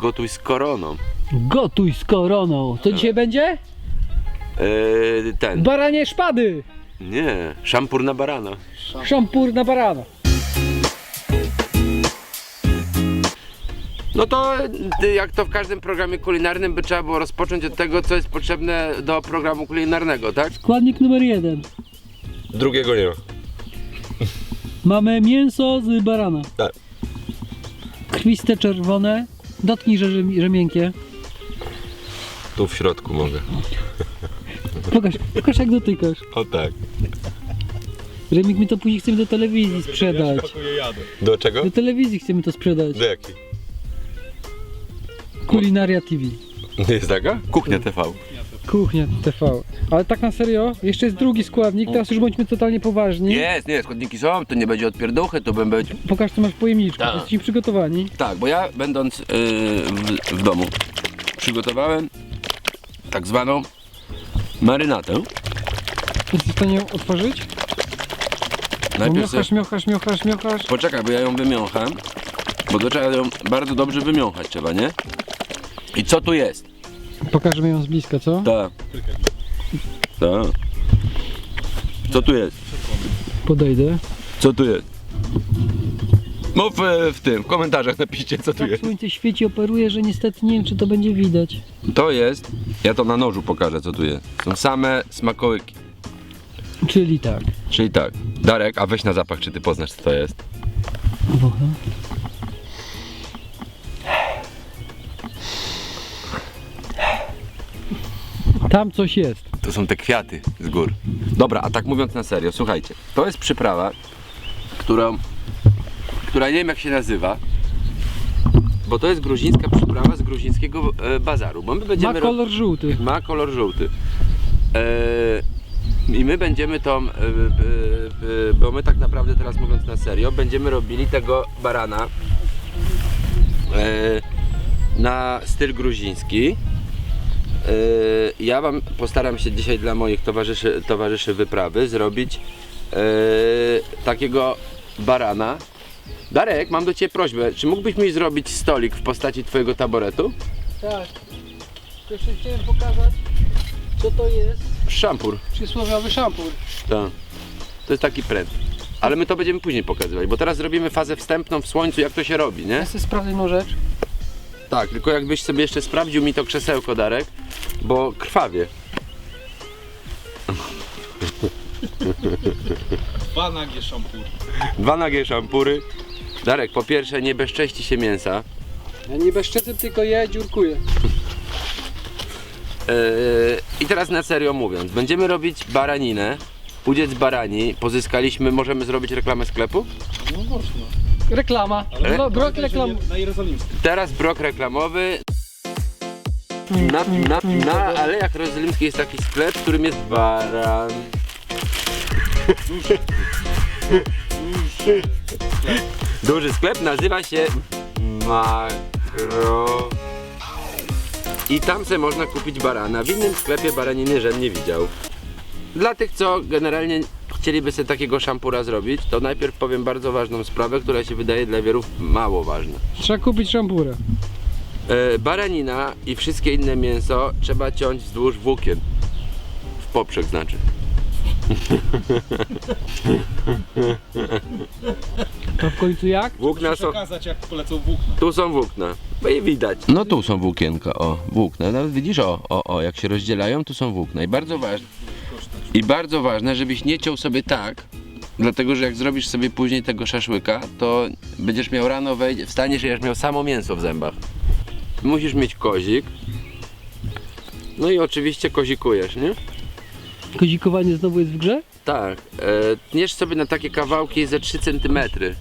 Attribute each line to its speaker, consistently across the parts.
Speaker 1: gotuj z koroną.
Speaker 2: Gotuj z koroną. Co dzisiaj będzie?
Speaker 1: Ten.
Speaker 2: Baranie szpady.
Speaker 1: Nie, szampur na barana.
Speaker 2: Szampur na barana.
Speaker 1: No to jak to w każdym programie kulinarnym by trzeba było rozpocząć od tego, co jest potrzebne do programu kulinarnego, tak?
Speaker 2: Składnik numer 1.
Speaker 1: Drugiego nie ma.
Speaker 2: Mamy mięso z barana.
Speaker 1: Tak.
Speaker 2: Krwiste czerwone. Dotknij, że miękkie.
Speaker 1: Tu w środku mogę.
Speaker 2: Pokaż jak dotykasz.
Speaker 1: O tak.
Speaker 2: Remik, my to później chcemy do telewizji sprzedać.
Speaker 1: Do czego?
Speaker 2: Do telewizji chcemy to sprzedać.
Speaker 1: Do jakiej?
Speaker 2: Kulinaria TV.
Speaker 1: Jest taka? Kuchnia TV.
Speaker 2: Kuchnia TV. Ale tak na serio, jeszcze jest drugi składnik, teraz już bądźmy totalnie poważni.
Speaker 1: Jest, nie, składniki są, to nie będzie odpierduchy, to będzie...
Speaker 2: Pokaż co masz w pojemniczku,
Speaker 1: Tak.
Speaker 2: jesteśmy przygotowani.
Speaker 1: Tak, bo ja będąc w domu przygotowałem tak zwaną marynatę.
Speaker 2: Jesteś w stanie ją otworzyć?
Speaker 1: Najpierw sobie...
Speaker 2: Miochasz.
Speaker 1: Poczekaj, bo ja ją wymiącham, bo to trzeba ją bardzo dobrze wymiąchać trzeba, nie? I co tu jest?
Speaker 2: Pokażemy ją z bliska, co?
Speaker 1: Tak. Tak. Co tu jest?
Speaker 2: Podejdę.
Speaker 1: Co tu jest? Mów w komentarzach napiszcie co tu
Speaker 2: Tak
Speaker 1: jest.
Speaker 2: słońce świeci, operuje, że niestety nie wiem czy to będzie widać.
Speaker 1: To jest, ja to na nożu pokażę co tu jest. Są same smakołyki.
Speaker 2: Czyli tak.
Speaker 1: Czyli tak, Darek, a weź na zapach, czy ty poznasz co to jest?
Speaker 2: Wącham. Tam coś jest.
Speaker 1: To są te kwiaty z gór. Dobra, a tak mówiąc na serio, słuchajcie, to jest przyprawa, która nie wiem jak się nazywa, bo to jest gruzińska przyprawa z gruzińskiego bazaru, bo my będziemy...
Speaker 2: Ma kolor żółty.
Speaker 1: Ma kolor żółty. I my będziemy tą, bo my tak naprawdę teraz mówiąc na serio, będziemy robili tego barana na styl gruziński. Ja wam postaram się dzisiaj dla moich towarzyszy wyprawy zrobić takiego barana. Darek, mam do ciebie prośbę, czy mógłbyś mi zrobić stolik w postaci twojego taboretu?
Speaker 2: Tak. Jeszcze chciałem pokazać co to jest.
Speaker 1: Szampur.
Speaker 2: Przysłowiowy szampur.
Speaker 1: Tak. To jest taki pręt. Ale my to będziemy później pokazywać, bo teraz zrobimy fazę wstępną w słońcu, jak to się robi, nie?
Speaker 2: Ja sobie sprawdzę jedną rzecz.
Speaker 1: Tak, tylko jakbyś sobie jeszcze sprawdził mi to krzesełko, Darek, bo krwawie.
Speaker 3: Dwa nagie szampury.
Speaker 1: Dwa nagie szampury. Darek, po pierwsze nie bezcześci się mięsa.
Speaker 2: Ja nie bezczecem, tylko je dziurkuję.
Speaker 1: I teraz na serio mówiąc, będziemy robić baraninę. Udziec barani, pozyskaliśmy, możemy zrobić reklamę sklepu?
Speaker 3: No można.
Speaker 2: Reklama. Brok reklam.
Speaker 3: Na Jerozolimskim.
Speaker 1: Teraz brok reklamowy. Na Alejach Jerozolimskich jest taki sklep, w którym jest baran. Duży sklep nazywa się Makro. I tam sobie można kupić barana. W innym sklepie baraniny żem nie widział. Dla tych, co generalnie chcieliby sobie takiego szampura zrobić, to najpierw powiem bardzo ważną sprawę, która się wydaje dla wielu mało ważna.
Speaker 2: Trzeba kupić szampurę.
Speaker 1: Baranina i wszystkie inne mięso trzeba ciąć wzdłuż włókien. W poprzek znaczy.
Speaker 2: To w końcu jak?
Speaker 1: Włókna są...
Speaker 3: Przekazać jak polecą włókna.
Speaker 1: Tu są włókna. No i widać. No tu są włókienka, o, włókna. No widzisz, jak się rozdzielają, tu są włókna. I bardzo ważne, żebyś nie ciął sobie tak, dlatego że jak zrobisz sobie później tego szaszłyka, to będziesz miał rano wstaniesz i będziesz miał samo mięso w zębach. Musisz mieć kozik. No i oczywiście kozikujesz, nie?
Speaker 2: Kozikowanie znowu jest w grze?
Speaker 1: Tak. Tniesz sobie na takie kawałki ze 3 cm.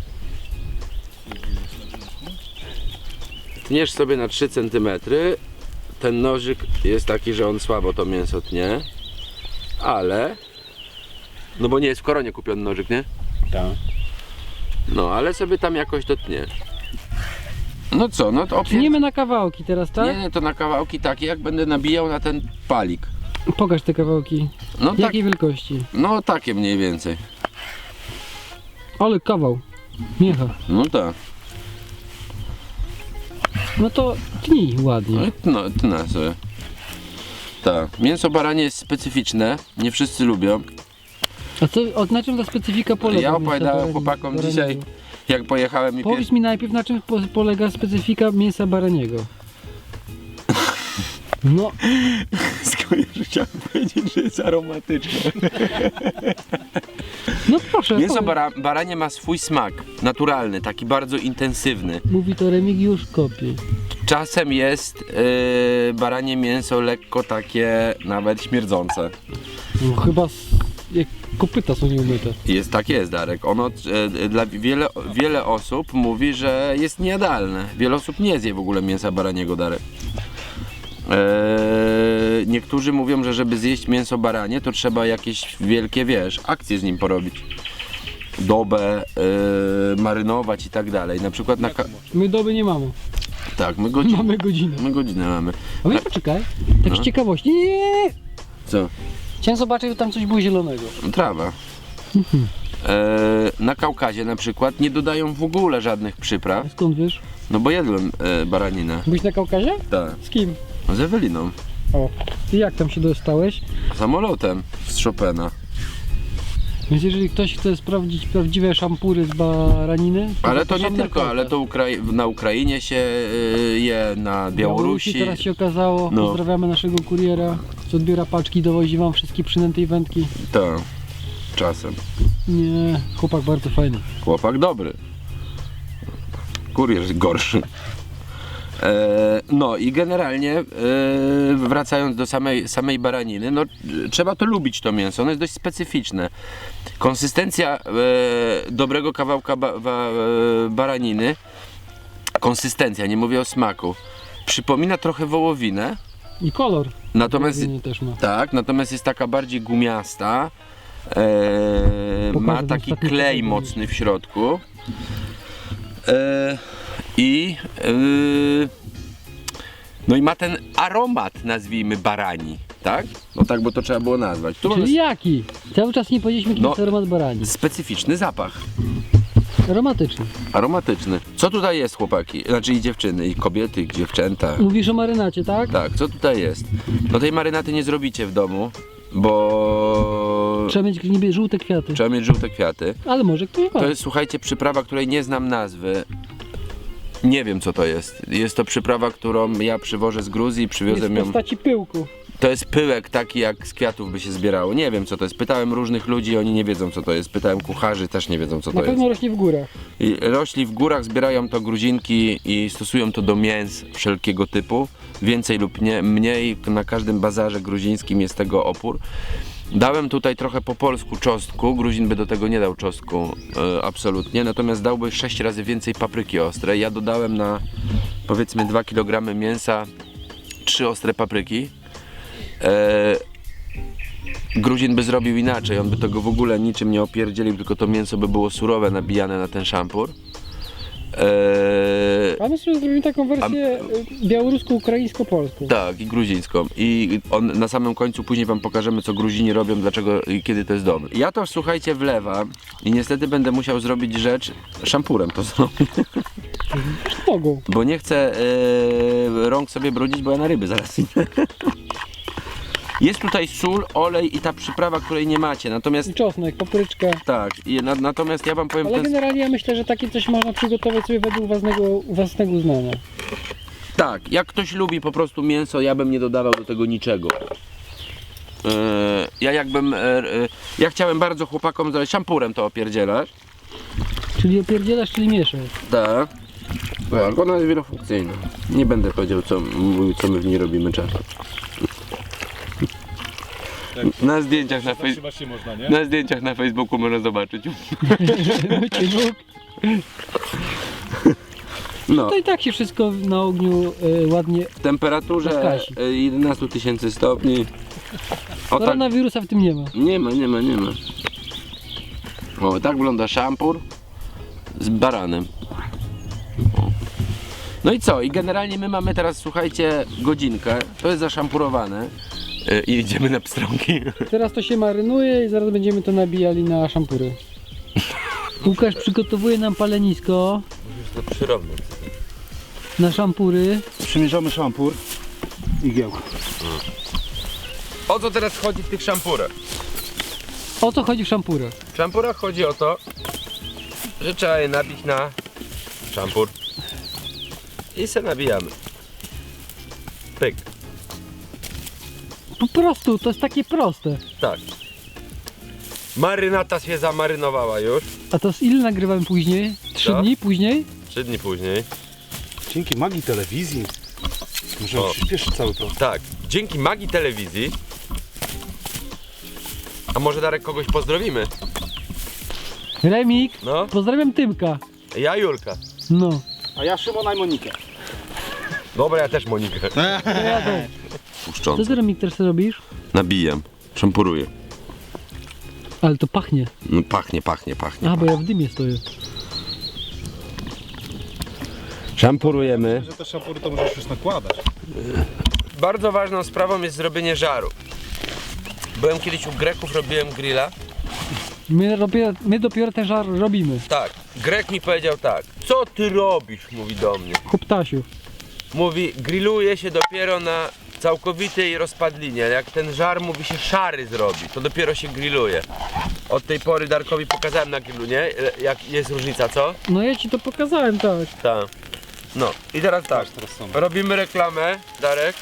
Speaker 1: Tniesz sobie na 3 cm. Ten nożyk jest taki, że on słabo to mięso tnie. Ale... No bo nie jest w Koronie kupiony nożyk, nie?
Speaker 3: Tak.
Speaker 1: No, ale sobie tam jakoś to tniesz. No co, no to
Speaker 2: Tniemy na kawałki teraz, tak?
Speaker 1: Nie, to na kawałki takie, jak będę nabijał na ten palik.
Speaker 2: Pokaż te kawałki.
Speaker 1: No tak,
Speaker 2: Jakiej wielkości?
Speaker 1: no takie mniej więcej.
Speaker 2: Ale kawał. Miecha.
Speaker 1: No tak.
Speaker 2: No to Tnij ładnie.
Speaker 1: No, tnę sobie. Tak, mięso baranie jest specyficzne, nie wszyscy lubią.
Speaker 2: A co, na czym ta specyfika polega?
Speaker 1: Ja
Speaker 2: mięsa
Speaker 1: opowiadałem
Speaker 2: barani-
Speaker 1: chłopakom
Speaker 2: baraniego?
Speaker 1: dzisiaj, jak pojechałem i
Speaker 2: Powiedz mi najpierw, na czym polega specyfika mięsa baraniego. No,
Speaker 1: Chciałem powiedzieć, że jest aromatyczne.
Speaker 2: no proszę.
Speaker 1: Mięso
Speaker 2: powiedz.
Speaker 1: baranie ma swój smak, naturalny, taki bardzo intensywny.
Speaker 2: Mówi to Remigiusz Kopie.
Speaker 1: Czasem jest baranie mięso lekko takie nawet śmierdzące.
Speaker 2: No, chyba jak kopyta są nieumyte.
Speaker 1: Tak jest, Darek. Ono dla wiele osób mówi, że jest niejadalne. Wiele osób nie zje w ogóle mięsa baraniego, Darek. Niektórzy mówią, że żeby zjeść mięso baranie, to trzeba jakieś wielkie, akcje z nim porobić. Dobę, marynować i tak dalej. Na przykład na...
Speaker 2: My doby nie mamy.
Speaker 1: Tak, my godzinę.
Speaker 2: Mamy godzinę.
Speaker 1: My godzinę mamy.
Speaker 2: A my poczekaj. Tak
Speaker 1: No.
Speaker 2: z ciekawości. Nie.
Speaker 1: Co?
Speaker 2: Chciałem zobaczyć, że tam coś było zielonego.
Speaker 1: Trawa. Na Kaukazie na przykład nie dodają w ogóle żadnych przypraw.
Speaker 2: A skąd wiesz?
Speaker 1: No bo jadłem baraninę.
Speaker 2: Byłeś na Kaukazie?
Speaker 1: Tak.
Speaker 2: Z kim?
Speaker 1: Z Eweliną.
Speaker 2: O. I jak tam się dostałeś?
Speaker 1: Samolotem z Chopina.
Speaker 2: Więc jeżeli ktoś chce sprawdzić prawdziwe szampury z baraniny...
Speaker 1: Ale to nie
Speaker 2: zapraszam na
Speaker 1: tylko, ale
Speaker 2: Kaukaz.
Speaker 1: to na Ukrainie się je, na Białorusi.
Speaker 2: Teraz się okazało.
Speaker 1: No.
Speaker 2: Pozdrawiamy naszego kuriera, co odbiera paczki, dowozi wam wszystkie przynęty i wędki.
Speaker 1: Tak, czasem.
Speaker 2: Nie, chłopak bardzo fajny.
Speaker 1: Chłopak dobry. Kurier gorszy. No i generalnie wracając do samej baraniny, no trzeba to lubić to mięso, ono jest dość specyficzne. Konsystencja dobrego kawałka baraniny, konsystencja, nie mówię o smaku, przypomina trochę wołowinę,
Speaker 2: I kolor.
Speaker 1: natomiast
Speaker 2: Wołowiny też ma.
Speaker 1: tak, natomiast jest taka bardziej gumiasta,
Speaker 2: Pokażę
Speaker 1: ma
Speaker 2: wam
Speaker 1: taki
Speaker 2: ostatni
Speaker 1: klej
Speaker 2: kawałek.
Speaker 1: mocny w środku. No i ma ten aromat, nazwijmy, barani, tak? No tak, bo to trzeba było nazwać. Tu mamy
Speaker 2: Czyli jaki? Cały czas nie powiedzieliśmy, jaki
Speaker 1: No.
Speaker 2: jest aromat barani.
Speaker 1: specyficzny zapach,
Speaker 2: Aromatyczny.
Speaker 1: aromatyczny. Co tutaj jest, chłopaki? Znaczy i dziewczyny, i kobiety, i dziewczęta.
Speaker 2: Mówisz o marynacie, tak?
Speaker 1: Tak, co tutaj jest? No tej marynaty nie zrobicie w domu, bo
Speaker 2: Trzeba mieć niebie żółte kwiaty.
Speaker 1: trzeba mieć żółte kwiaty.
Speaker 2: Ale może ktoś ma.
Speaker 1: To jest, słuchajcie, przyprawa, której nie znam nazwy. Nie wiem, co to jest. Jest to przyprawa, którą ja przywożę z Gruzji,
Speaker 2: Jest
Speaker 1: przywiozłem
Speaker 2: w
Speaker 1: ją.
Speaker 2: postaci pyłku.
Speaker 1: To jest pyłek taki, jak z kwiatów by się zbierało. Nie wiem, co to jest. Pytałem różnych ludzi, oni nie wiedzą, co to jest. Pytałem kucharzy, też nie wiedzą, co
Speaker 2: Na
Speaker 1: to
Speaker 2: pewno
Speaker 1: jest.
Speaker 2: rośnie w górach.
Speaker 1: I rośli w górach, zbierają to Gruzinki i stosują to do mięs wszelkiego typu. Więcej lub mniej. Na każdym bazarze gruzińskim jest tego opór. Dałem tutaj trochę po polsku czosnku, Gruzin by do tego nie dał czosnku absolutnie, natomiast dałby 6 razy więcej papryki ostrej. Ja dodałem na powiedzmy 2 kg mięsa 3 ostre papryki. Gruzin by zrobił inaczej, on by tego w ogóle niczym nie opierdzielił, tylko to mięso by było surowe, nabijane na ten szampur.
Speaker 2: A my sobie zrobimy taką wersję białorusko-ukraińsko-polską.
Speaker 1: Tak, i gruzińską. I na samym końcu później wam pokażemy, co Gruzini robią, dlaczego i kiedy to jest dobre. Ja to, słuchajcie, wlewam i niestety będę musiał zrobić rzecz, szampurem to zrobię,
Speaker 2: Mogą.
Speaker 1: bo nie chcę rąk sobie brudzić, bo ja na ryby zaraz idę. Jest tutaj sól, olej i ta przyprawa, której nie macie, natomiast
Speaker 2: I czosnek, papryczka.
Speaker 1: tak, natomiast ja wam powiem,
Speaker 2: Ale generalnie ja myślę, że takie coś można przygotować sobie według własnego uznania.
Speaker 1: tak, jak ktoś lubi po prostu mięso, ja bym nie dodawał do tego niczego. Ja chciałem bardzo chłopakom zrobić szampurem to opierdzielać.
Speaker 2: Czyli opierdzielasz, czyli mieszasz.
Speaker 1: Tak. Tak, ona jest wielofunkcyjna. Nie będę powiedział, co my w niej robimy często. Na zdjęciach
Speaker 3: Zatrzymać się można, nie?
Speaker 1: na zdjęciach na Facebooku można zobaczyć. No,
Speaker 2: To i tak się wszystko na ogniu ładnie...
Speaker 1: w temperaturze
Speaker 2: Zgasi.
Speaker 1: 11 000 stopni. O, tak,
Speaker 2: Koronawirusa w tym nie ma.
Speaker 1: nie ma. O, tak wygląda szampur z baranem. O. No i co? I generalnie my mamy teraz, słuchajcie, godzinkę. To jest zaszampurowane. I idziemy na pstrągi.
Speaker 2: Teraz to się marynuje i zaraz będziemy to nabijali na szampury. Łukasz przygotowuje nam palenisko
Speaker 1: To przyrodne.
Speaker 2: na szampury.
Speaker 4: Przymierzamy szampur i giełkę.
Speaker 1: O co teraz chodzi w tych szampurach?
Speaker 2: O co chodzi w szampurach?
Speaker 1: W szampurach chodzi o to, że trzeba je nabić na szampur i se nabijamy. Pyk,
Speaker 2: Po prostu, to jest takie proste.
Speaker 1: tak. Marynata się zamarynowała już,
Speaker 2: A to z ile nagrywamy później? 3
Speaker 1: Co?
Speaker 2: dni później?
Speaker 1: 3 dni później.
Speaker 4: Dzięki magii telewizji możemy
Speaker 1: O.
Speaker 4: przyspieszyć cały proces.
Speaker 1: Tak, dzięki magii telewizji. A może Darek kogoś pozdrowimy?
Speaker 2: Remik,
Speaker 1: No,
Speaker 2: pozdrawiam Tymka.
Speaker 1: ja Julka.
Speaker 2: No.
Speaker 4: A ja Szymona i Monikę.
Speaker 1: Dobra, ja też Monikę.
Speaker 2: To ja też. Co
Speaker 1: Puszcząc.
Speaker 2: ty, Remik, też robisz?
Speaker 1: Nabijam, szampuruję.
Speaker 2: Ale to pachnie.
Speaker 1: No, pachnie.
Speaker 2: A, bo ja w dymie stoję.
Speaker 1: Szampurujemy.
Speaker 3: Że te szampury to możesz już nakładać.
Speaker 1: Bardzo ważną sprawą jest zrobienie żaru. Byłem kiedyś u Greków, robiłem grilla.
Speaker 2: My dopiero ten żar robimy.
Speaker 1: Tak, Grek mi powiedział tak. Co ty robisz? Mówi do mnie.
Speaker 2: Chłoptasiu.
Speaker 1: Mówi, grilluje się dopiero na całkowitej rozpadlinie. Jak ten żar, mówi, się szary zrobi, to dopiero się grilluje. Od tej pory Darkowi pokazałem na grillu, nie? Jak jest różnica, co?
Speaker 2: No ja ci to pokazałem, tak.
Speaker 1: Tak. No i teraz tak,
Speaker 4: Teraz są.
Speaker 1: robimy reklamę, Darek.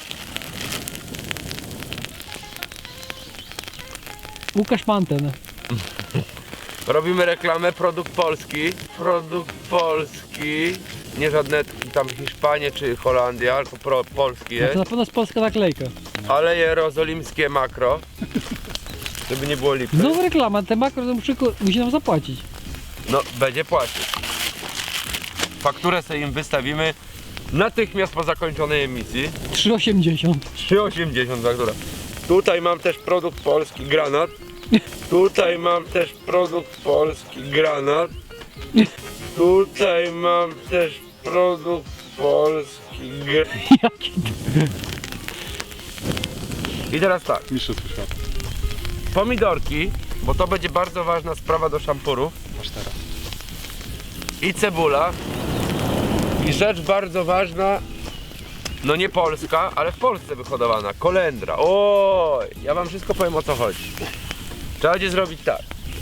Speaker 2: Łukasz Manten.
Speaker 1: Robimy reklamę, produkt polski, nie żadne tam Hiszpanie czy Holandia, tylko polski
Speaker 2: No
Speaker 1: jest,
Speaker 2: to na pewno jest polska naklejka.
Speaker 1: ale jerozolimskie makro, żeby nie było lipy.
Speaker 2: Znowu reklama, te makro to musi nam zapłacić.
Speaker 1: No, będzie płacić. Fakturę sobie im wystawimy natychmiast po zakończonej emisji.
Speaker 2: 3,80.
Speaker 1: 3,80 faktura. Tutaj mam też produkt polski, granat. Tutaj mam też produkt polski, granat. Tutaj mam też produkt polski, granat.
Speaker 2: Jaki
Speaker 1: I teraz tak,
Speaker 4: Mistrzostwo świata.
Speaker 1: pomidorki, bo to będzie bardzo ważna sprawa do szampurów.
Speaker 4: Aż teraz.
Speaker 1: I cebula. I rzecz bardzo ważna, no nie polska, ale w Polsce wyhodowana, kolendra. Oj, ja wam wszystko powiem, o co chodzi. Trzeba będzie zrobić tak.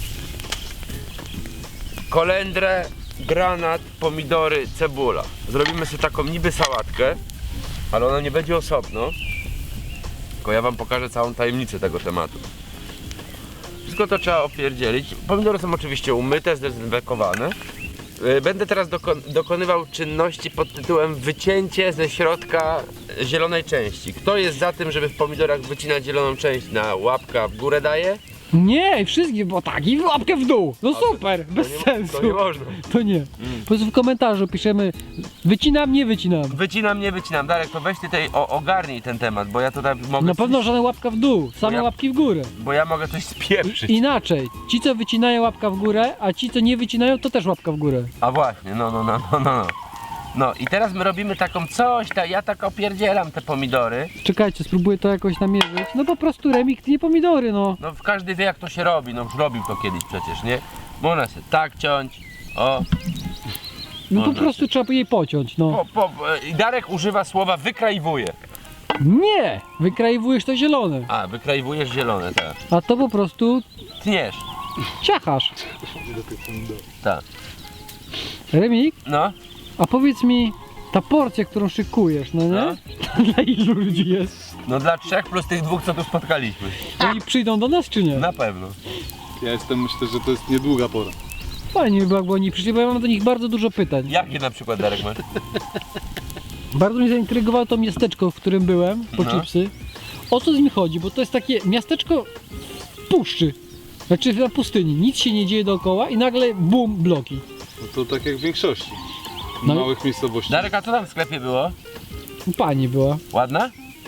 Speaker 1: Kolendrę, granat, pomidory, cebula. Zrobimy sobie taką niby sałatkę, ale ona nie będzie osobno. Tylko ja wam pokażę całą tajemnicę tego tematu. Wszystko to trzeba opierdzielić. Pomidory są oczywiście umyte, zdezynfekowane. Będę teraz dokonywał czynności pod tytułem wycięcie ze środka zielonej części. Kto jest za tym, żeby w pomidorach wycinać zieloną część na łapka w górę daje?
Speaker 2: Nie, wszystkich, bo tak, i łapkę w dół. No super, bez sensu.
Speaker 1: To nie można.
Speaker 2: To nie. Po prostu w komentarzu piszemy wycinam, nie wycinam.
Speaker 1: Wycinam, nie wycinam. Darek, to weź ty tutaj ogarnij ten temat, bo ja tutaj mogę
Speaker 2: Na pewno żadna łapka w dół, same
Speaker 1: ja-
Speaker 2: łapki w górę.
Speaker 1: bo ja mogę coś spieprzyć.
Speaker 2: Inaczej, ci co wycinają łapka w górę, a ci co nie wycinają to też łapka w górę.
Speaker 1: A właśnie, no. No i teraz my robimy taką coś, ja tak opierdzielam te pomidory.
Speaker 2: Czekajcie, spróbuję to jakoś namierzyć. No po prostu Remik, nie pomidory, no.
Speaker 1: No każdy wie, jak to się robi, no już robił to kiedyś przecież, nie? Można się tak ciąć, o.
Speaker 2: No po
Speaker 1: Można
Speaker 2: prostu trzeba jej pociąć, no.
Speaker 1: I Darek używa słowa wykraiwuje.
Speaker 2: Nie! Wykraiwujesz to zielone,
Speaker 1: A, wykraiwujesz zielone, tak.
Speaker 2: a to po prostu
Speaker 1: Tniesz,
Speaker 2: ciachasz.
Speaker 1: tak.
Speaker 2: Remik,
Speaker 1: No,
Speaker 2: a powiedz mi, ta porcja, którą szykujesz, no nie? Dla ilu ludzi jest?
Speaker 1: no dla 3 plus tych 2, co tu spotkaliśmy.
Speaker 2: Oni przyjdą do nas czy nie?
Speaker 1: Na pewno.
Speaker 4: Ja myślę, że to jest niedługa pora.
Speaker 2: Fajnie by było, jakby oni przyszli, bo ja mam do nich bardzo dużo pytań.
Speaker 1: Jakie na przykład, Darek, masz?
Speaker 2: Bardzo mnie zaintrygowało to miasteczko, w którym byłem, po
Speaker 1: No.
Speaker 2: chipsy. O co z nim chodzi? Bo to jest takie miasteczko w puszczy. Znaczy na pustyni. Nic się nie dzieje dookoła i nagle bum, bloki.
Speaker 4: No to tak jak w większości
Speaker 2: No.
Speaker 4: małych miejscowości.
Speaker 1: Darek, a co tam w sklepie było?
Speaker 2: Pani była.
Speaker 1: Ładna?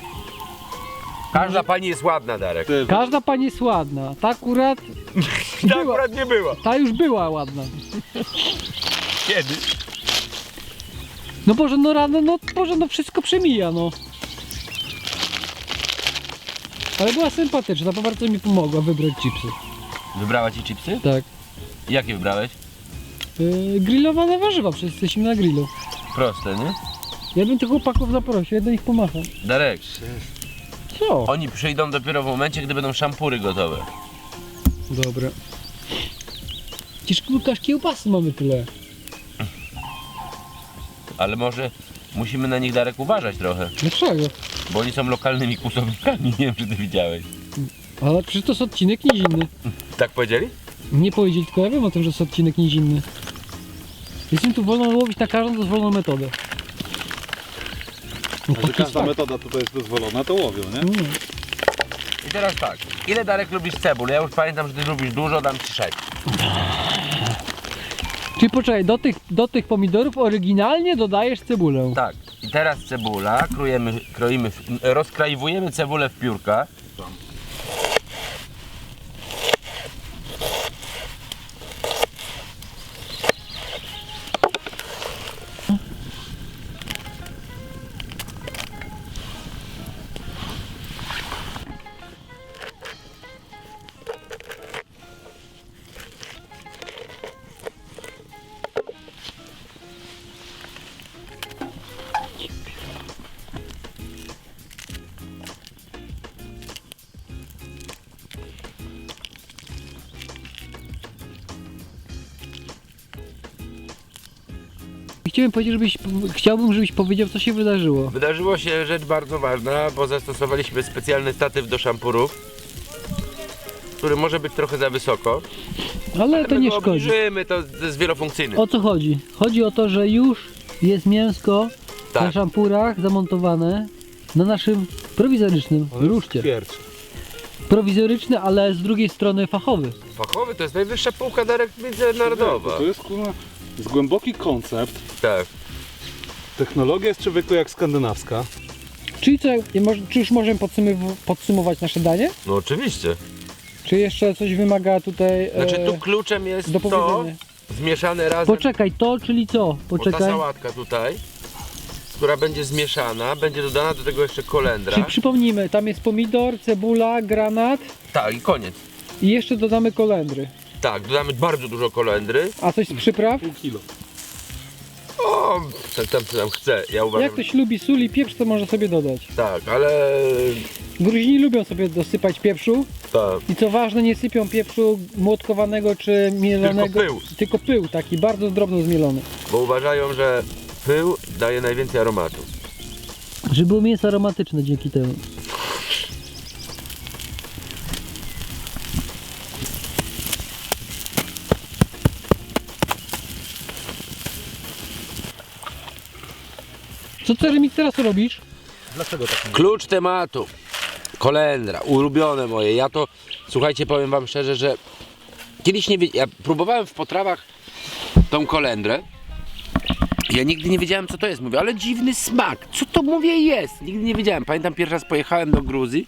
Speaker 1: Każda pani jest ładna, Darek.
Speaker 4: Te-
Speaker 2: Każda pani jest ładna. Ta akurat
Speaker 1: Ta
Speaker 2: była.
Speaker 1: akurat nie była.
Speaker 2: Ta już była ładna.
Speaker 1: Kiedy?
Speaker 2: No Boże, no rano, no Boże, no wszystko przemija, no. Ale była sympatyczna, bo bardzo mi pomogła wybrać chipsy.
Speaker 1: Wybrała ci chipsy?
Speaker 2: Tak.
Speaker 1: Jakie wybrałeś?
Speaker 2: Grillowane warzywa, przecież jesteśmy na grillu.
Speaker 1: Proste, nie?
Speaker 2: Ja bym tych chłopaków zaprosił, ja do nich pomacham.
Speaker 1: Darek,
Speaker 2: Co?
Speaker 1: oni przyjdą dopiero w momencie, gdy będą szampury gotowe.
Speaker 2: Dobra. Przecież Łukasz kiełbasy mamy tyle.
Speaker 1: Ale może musimy na nich, Darek, uważać trochę.
Speaker 2: Dlaczego?
Speaker 1: Bo oni są lokalnymi kłusownikami, nie wiem, czy ty widziałeś.
Speaker 2: Ale przecież to jest odcinek nizinny.
Speaker 1: Tak powiedzieli?
Speaker 2: Nie powiedzieli, tylko ja wiem o tym, że jest odcinek nizinny. Jestem tu wolno łowić na każdą dozwoloną metodę. No,
Speaker 4: A że
Speaker 2: taki
Speaker 4: każda
Speaker 2: fakt.
Speaker 4: metoda tutaj jest dozwolona, to łowią, nie?
Speaker 2: No.
Speaker 1: I teraz tak, ile, Darek, lubisz cebul? Ja już pamiętam, że ty lubisz dużo, dam ci 6.
Speaker 2: Czyli poczekaj, do tych pomidorów oryginalnie dodajesz cebulę.
Speaker 1: Tak, i teraz cebula, kroimy, rozkrajwujemy cebulę w piórka.
Speaker 2: Chciałbym, żebyś powiedział, co się wydarzyło.
Speaker 1: Wydarzyło się rzecz bardzo ważna, bo zastosowaliśmy specjalny statyw do szampurów, który może być trochę za wysoko.
Speaker 2: Ale to
Speaker 1: My
Speaker 2: nie
Speaker 1: go
Speaker 2: szkodzi.
Speaker 1: obniżymy, to jest wielofunkcyjny.
Speaker 2: O co chodzi? Chodzi o to, że już jest mięsko na
Speaker 1: Tak.
Speaker 2: szampurach zamontowane na naszym prowizorycznym ruszcie.
Speaker 4: Twierdź.
Speaker 2: Prowizoryczny, ale z drugiej strony fachowy.
Speaker 1: Fachowy to jest najwyższa półka, Darek, międzynarodowa.
Speaker 4: To jest, kurwa, jest głęboki koncept.
Speaker 1: Tak.
Speaker 4: Technologia jest człowieku jak skandynawska.
Speaker 2: Czyli co, czy już możemy podsumować nasze danie?
Speaker 1: No oczywiście.
Speaker 2: Czy jeszcze coś wymaga tutaj
Speaker 1: Znaczy tu kluczem jest
Speaker 2: do
Speaker 1: to
Speaker 2: powiedzenia?
Speaker 1: zmieszane razem.
Speaker 2: Poczekaj, to czyli co?
Speaker 1: Bo ta
Speaker 2: Poczekaj.
Speaker 1: sałatka tutaj, która będzie zmieszana, będzie dodana do tego jeszcze kolendra.
Speaker 2: Czyli przypomnijmy, tam jest pomidor, cebula, granat
Speaker 1: Tak, i koniec.
Speaker 2: i jeszcze dodamy kolendry.
Speaker 1: Tak, dodamy bardzo dużo kolendry.
Speaker 2: A coś z przypraw?
Speaker 4: Pół kilo.
Speaker 1: O, tam chce, ja uważam.
Speaker 2: Jak ktoś lubi sól i pieprz, to może sobie dodać.
Speaker 1: Tak, ale...
Speaker 2: Gruzini lubią sobie dosypać pieprzu
Speaker 1: Tak.
Speaker 2: i co ważne, nie sypią pieprzu młotkowanego czy mielonego.
Speaker 1: Tylko pył.
Speaker 2: Tylko pył, taki bardzo drobno zmielony.
Speaker 1: Bo uważają, że pył daje najwięcej aromatu.
Speaker 2: Żeby było mięso aromatyczne dzięki temu. Co ty, Remik, teraz robisz?
Speaker 4: Dlaczego tak?
Speaker 1: Klucz tematu. Kolendra, ulubione moje. Ja to, słuchajcie, powiem wam szczerze, że kiedyś nie wiedziałem, ja próbowałem w potrawach tą kolendrę. Ja nigdy nie wiedziałem, co to jest. Mówię, ale dziwny smak. Co to, mówię, jest? Nigdy nie wiedziałem. Pamiętam, pierwszy raz pojechałem do Gruzji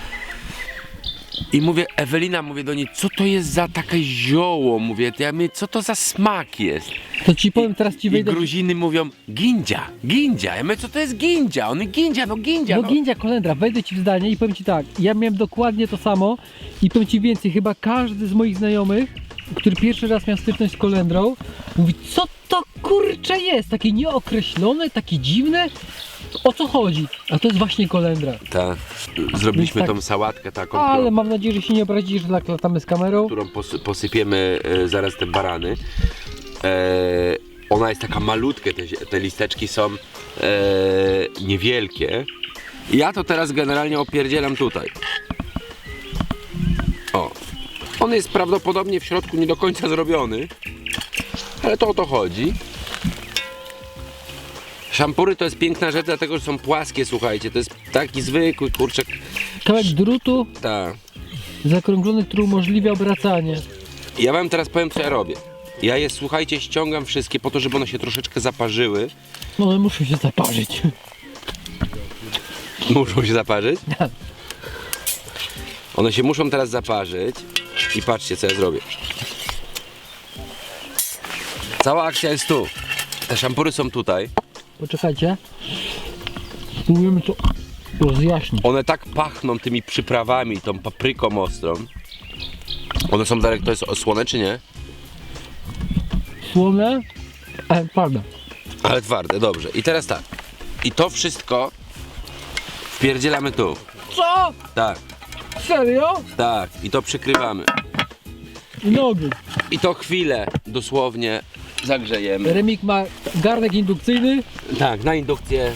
Speaker 1: i mówię, Ewelina, mówię do niej, co to jest za takie zioło? Mówię, ja mówię, co to za smak jest?
Speaker 2: To ci powiem, teraz ci
Speaker 1: I
Speaker 2: wejdę.
Speaker 1: Gruziny mówią, gindzia, gindzia. Ja mówię, co to jest gindzia? One gindzia, no gindzia.
Speaker 2: No gindzia, kolendra, wejdę ci w zdanie i powiem ci tak, ja miałem dokładnie to samo i powiem ci więcej, chyba każdy z moich znajomych, który pierwszy raz miał styczność z kolendrą, mówi, co to kurcze jest, takie nieokreślone, takie dziwne, o co chodzi? A to jest właśnie kolendra.
Speaker 1: Tak, zrobiliśmy
Speaker 2: Więc tak.
Speaker 1: tą sałatkę taką,
Speaker 2: Ale mam nadzieję, że się nie obrazisz, że tak latamy z kamerą.
Speaker 1: którą posypiemy zaraz te barany. Ona jest taka malutka, te listeczki są niewielkie. Ja to teraz generalnie opierdzielam tutaj. O. On jest prawdopodobnie w środku nie do końca zrobiony, ale to o to chodzi. Szampury to jest piękna rzecz, dlatego że są płaskie, słuchajcie. To jest taki zwykły kurczak.
Speaker 2: Kawałek drutu
Speaker 1: Tak.
Speaker 2: zakrąglony, który umożliwia obracanie.
Speaker 1: Ja wam teraz powiem, co ja robię. Ja je, słuchajcie, ściągam wszystkie po to, żeby one się troszeczkę zaparzyły.
Speaker 2: No ale muszę się zaparzyć.
Speaker 1: Muszą się zaparzyć? One się muszą teraz zaparzyć. I patrzcie, co ja zrobię. Cała akcja jest tu. Te szampury są tutaj.
Speaker 2: Poczekajcie. Spróbujemy to rozjaśnić.
Speaker 1: One tak pachną tymi przyprawami, tą papryką ostrą. One są, Darek, to jest osłone czy nie?
Speaker 2: Słone, ale twarde.
Speaker 1: Ale twarde, dobrze. I teraz tak. I to wszystko wpierdzielamy tu.
Speaker 2: Co?
Speaker 1: Tak,
Speaker 2: Serio?
Speaker 1: tak. I to przykrywamy.
Speaker 2: I nogi.
Speaker 1: I to chwilę dosłownie zagrzejemy.
Speaker 2: Remik ma garnek indukcyjny.
Speaker 1: Tak, na indukcję.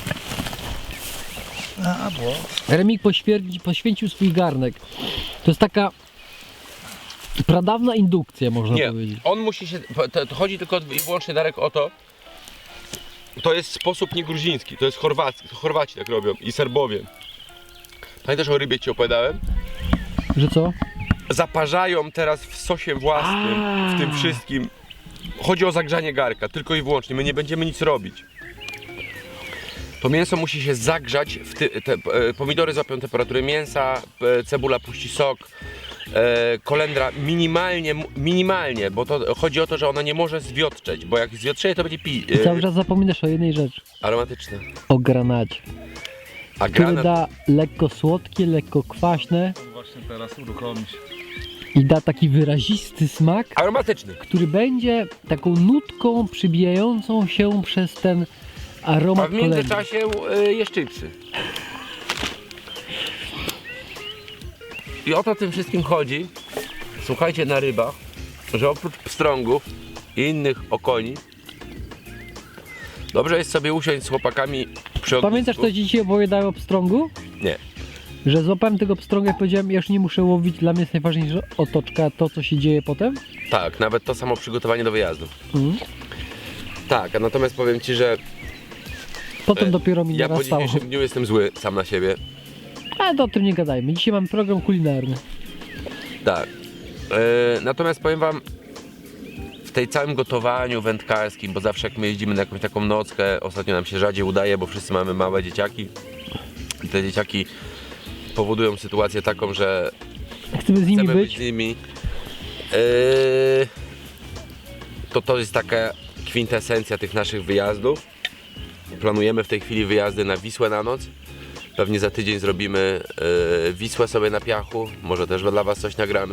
Speaker 2: Remik poświęcił swój garnek. To jest taka pradawna indukcja, można
Speaker 1: Nie,
Speaker 2: powiedzieć.
Speaker 1: on musi się. To chodzi tylko i wyłącznie, Darek, o to. To jest sposób nie gruziński, to jest chorwacki. Chorwaci tak robią i Serbowie. Pamiętasz, o rybie ci opowiadałem?
Speaker 2: Że co?
Speaker 1: Zaparzają teraz w sosie własnym, w tym wszystkim. Chodzi o zagrzanie garka, tylko i wyłącznie. My nie będziemy nic robić. To mięso musi się zagrzać, pomidory złapią temperaturę mięsa, cebula puści sok, kolendra minimalnie, bo to chodzi o to, że ona nie może zwiotczeć, bo jak zwiotrzeje, to będzie
Speaker 2: I cały czas zapominasz o jednej rzeczy.
Speaker 1: aromatyczne.
Speaker 2: O granacie.
Speaker 1: A
Speaker 2: Który
Speaker 1: granat,
Speaker 2: da lekko słodkie, lekko kwaśne
Speaker 3: Właśnie teraz uruchomi się.
Speaker 2: i da taki wyrazisty smak,
Speaker 1: aromatyczny.
Speaker 2: który będzie taką nutką przybijającą się przez ten
Speaker 1: A
Speaker 2: aromat
Speaker 1: w
Speaker 2: kolendry.
Speaker 1: międzyczasie jest chipsy. I o to tym wszystkim chodzi. Słuchajcie, na rybach, że oprócz pstrągów i innych okoni, dobrze jest sobie usiąść z chłopakami przy ognisku.
Speaker 2: Pamiętasz, co ci dzisiaj opowiadałem o pstrągu?
Speaker 1: Nie.
Speaker 2: Że złapałem tego pstrąga i powiedziałem, ja już nie muszę łowić, dla mnie jest najważniejsza otoczka, to co się dzieje potem.
Speaker 1: Tak, nawet to samo przygotowanie do wyjazdu.
Speaker 2: Mhm.
Speaker 1: Tak, a natomiast powiem ci, że
Speaker 2: Potem dopiero mi
Speaker 1: ja po
Speaker 2: narastało.
Speaker 1: dzisiejszym dniu jestem zły sam na siebie.
Speaker 2: Ale to o tym nie gadajmy. Dzisiaj mam program kulinarny.
Speaker 1: Tak. Natomiast powiem wam, w tej całym gotowaniu wędkarskim, bo zawsze jak my jeździmy na jakąś taką nockę, ostatnio nam się rzadziej udaje, bo wszyscy mamy małe dzieciaki. I te dzieciaki powodują sytuację taką, że
Speaker 2: Chcemy z nimi
Speaker 1: chcemy być
Speaker 2: być.
Speaker 1: z nimi. To jest taka kwintesencja tych naszych wyjazdów. Planujemy w tej chwili wyjazdy na Wisłę na noc. Pewnie za tydzień zrobimy Wisłę sobie na piachu. Może też dla was coś nagramy.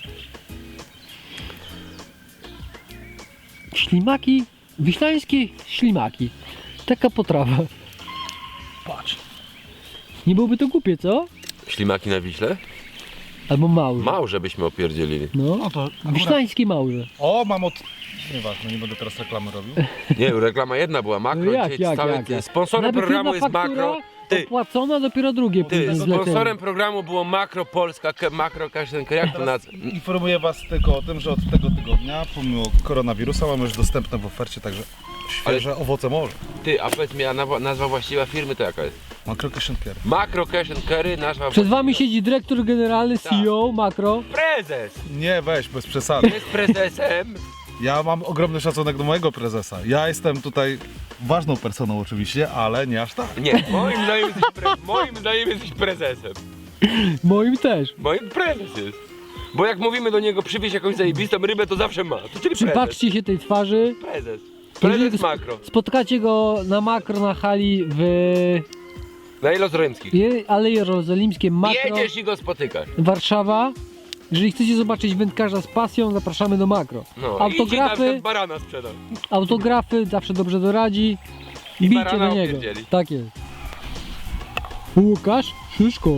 Speaker 2: Ślimaki, wiślańskie ślimaki. Taka potrawa.
Speaker 3: Patrz.
Speaker 2: Nie byłoby to głupie, co?
Speaker 1: Ślimaki na Wiśle?
Speaker 2: Albo małże.
Speaker 1: Małże byśmy opierdzielili.
Speaker 2: No,
Speaker 3: No to akurat...
Speaker 2: wiślańskie małże.
Speaker 3: O, mam od... Nieważne, nie będę teraz reklamy robił.
Speaker 1: Nie, reklama jedna była, Makro.
Speaker 2: No jak,
Speaker 1: dzisiaj
Speaker 2: jak?
Speaker 1: Sponsorem
Speaker 2: Najpierw
Speaker 1: programu
Speaker 2: jedna
Speaker 1: jest
Speaker 2: faktura
Speaker 1: Makro. Ty,
Speaker 2: opłacona, dopiero drugie później zlecenie.
Speaker 1: sponsorem programu było Makro Polska, Makro Kaszenka. Jak to
Speaker 3: Teraz
Speaker 1: nazwa?
Speaker 3: informuję was tylko o tym, że od tego tygodnia, pomimo koronawirusa, mamy już dostępne w ofercie także świeże owoce morza.
Speaker 1: Ty, a powiedz mi, a nazwa właściwa firmy to jaka jest?
Speaker 3: Makro Kieszenkier.
Speaker 1: Makro Cash and Carry, nazwa
Speaker 2: Przed wami
Speaker 1: właściwa.
Speaker 2: siedzi dyrektor generalny, CEO, Makro.
Speaker 1: Prezes!
Speaker 3: Nie, weź, bez przesady.
Speaker 1: Jest prezesem.
Speaker 3: Ja mam ogromny szacunek do mojego prezesa. Ja jestem tutaj ważną personą oczywiście, ale nie aż tak.
Speaker 1: Nie, moim zdaniem jesteś prezesem.
Speaker 2: Moim też.
Speaker 1: Moim prezes jest. Bo jak mówimy do niego, przywieź jakąś zajebistą rybę, to zawsze ma. To czyli prezes.
Speaker 2: Przypatrzcie się tej twarzy.
Speaker 1: Prezes.
Speaker 2: Jeżeli
Speaker 1: Prezes Makro.
Speaker 2: spotkacie go na Makro na hali w
Speaker 1: Na Ilozrymskich.
Speaker 2: Alei Jerozolimskiej Makro,
Speaker 1: Jedziesz i go spotykasz.
Speaker 2: Warszawa. Jeżeli chcecie zobaczyć wędkarza z pasją, zapraszamy do Makro.
Speaker 1: No,
Speaker 2: Autografy,
Speaker 1: i barana sprzedał.
Speaker 2: autografy, zawsze dobrze doradzi.
Speaker 1: I
Speaker 2: Bijcie
Speaker 1: barana
Speaker 2: do niego.
Speaker 1: opierdzieli.
Speaker 2: Tak jest. Łukasz Szyszko.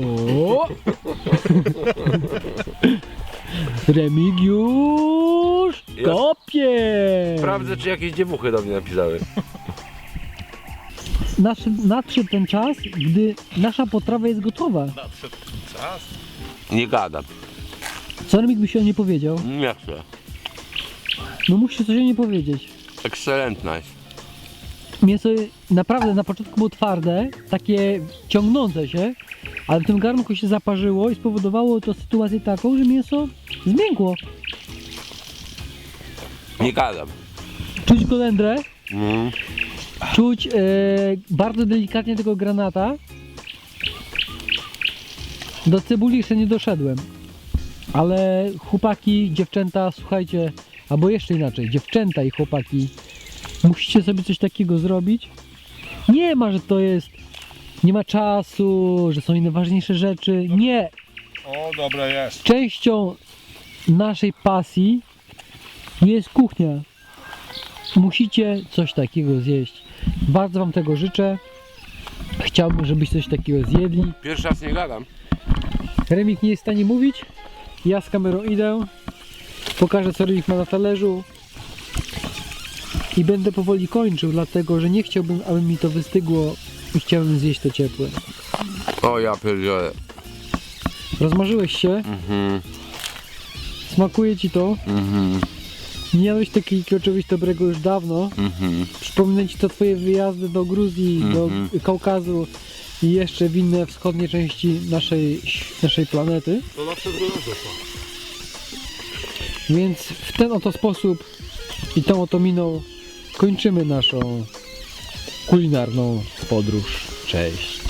Speaker 2: Remigiusz
Speaker 1: Jest.
Speaker 2: kopie.
Speaker 1: Sprawdzę, czy jakieś dziewuchy do mnie napisały.
Speaker 2: Nadszedł ten czas, gdy nasza potrawa jest gotowa.
Speaker 3: Czas.
Speaker 1: Nie gadam.
Speaker 2: Co Remik by się o nie powiedział?
Speaker 1: Nie chcę.
Speaker 2: No musisz coś o nie powiedzieć.
Speaker 1: Excellent nice.
Speaker 2: Mięso naprawdę na początku było twarde, takie ciągnące się, ale w tym garnku się zaparzyło i spowodowało to sytuację taką, że mięso zmiękło.
Speaker 1: Nie gadam.
Speaker 2: Czuć kolendrę,
Speaker 1: Mm.
Speaker 2: czuć bardzo delikatnie tego granata. Do cebuli jeszcze nie doszedłem, ale chłopaki, dziewczęta, słuchajcie, albo jeszcze inaczej, dziewczęta i chłopaki, musicie sobie coś takiego zrobić. Nie ma, że to jest, nie ma czasu, że są inne ważniejsze rzeczy. Nie,
Speaker 3: O, dobre jest.
Speaker 2: częścią naszej pasji jest kuchnia. Musicie coś takiego zjeść. Bardzo wam tego życzę. Chciałbym, żebyś coś takiego zjedli.
Speaker 1: Pierwszy raz nie gadam.
Speaker 2: Remik nie jest w stanie mówić. Ja z kamerą idę. Pokażę, co Remik ma na talerzu. I będę powoli kończył, dlatego że nie chciałbym, aby mi to wystygło i chciałbym zjeść to ciepłe.
Speaker 1: O ja pierdzielę.
Speaker 2: Rozmarzyłeś się?
Speaker 1: Mhm,
Speaker 2: Smakuje ci to?
Speaker 1: mhm,
Speaker 2: Nie jadłeś takiego czegoś dobrego już dawno.
Speaker 1: mhm.
Speaker 2: Przypomnę ci to twoje wyjazdy do Gruzji, do Kaukazu i jeszcze w inne wschodnie części naszej planety.
Speaker 4: To na przewrót doszło.
Speaker 2: Więc w ten oto sposób i tą oto miną kończymy naszą kulinarną podróż. Cześć!